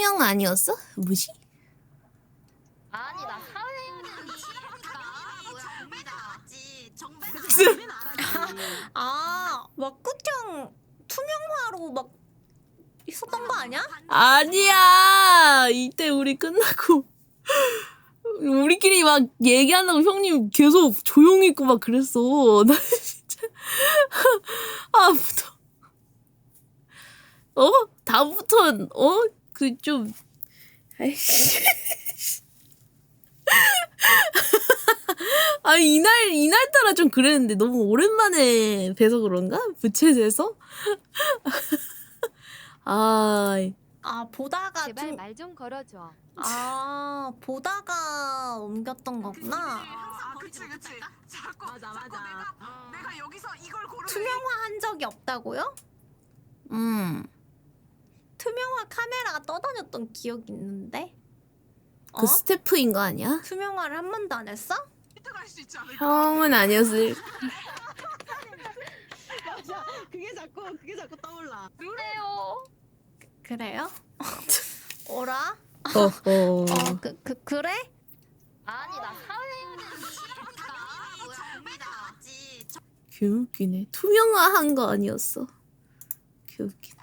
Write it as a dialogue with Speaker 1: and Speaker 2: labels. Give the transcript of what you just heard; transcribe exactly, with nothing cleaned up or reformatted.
Speaker 1: 투명 아니었어? 뭐지?
Speaker 2: 아니 나 사회인이
Speaker 3: 아, 왁구청 투명화로 막 있었던 거 아니야?
Speaker 1: 아니야. 이때 우리 끝나고 우리끼리 막 얘기한다고 형님 계속 조용히 있고 막 그랬어. 나 진짜 아부터 어? 다음부터 어? 그 좀 아이씨. 아 이날 이날따라 좀 그랬는데 너무 오랜만에 뵈서 그런가? 부채에서? 아,
Speaker 3: 아, 보다가
Speaker 4: 제발
Speaker 3: 좀...
Speaker 4: 말 좀 걸어줘.
Speaker 3: 아, 보다가 옮겼던 거구나.
Speaker 5: 아, 그치 그치. 자꾸 맞아 맞아. 내가 어. 내가 여기서 이걸 고르.
Speaker 3: 투명화 한 적이 없다고요?
Speaker 1: 음,
Speaker 3: 투명화 카메라가 떠다녔던 기억이 있는데.
Speaker 1: 그
Speaker 3: 어?
Speaker 1: 스태프인 거 아니야?
Speaker 3: 투명화를 한 번도 안 했어?
Speaker 5: 획득할 수 있지 않을까?
Speaker 1: 형은 아니었을.
Speaker 6: 맞아. 그게 자꾸 그게 자꾸 떠올라.
Speaker 2: 그래요.
Speaker 3: 그래요? 어라?
Speaker 1: 어, 어.
Speaker 3: 어, 그, 그, 그래?
Speaker 2: 아니 나 사회인이
Speaker 1: 개웃기네. 투명화 한 거 아니었어. 개웃기네.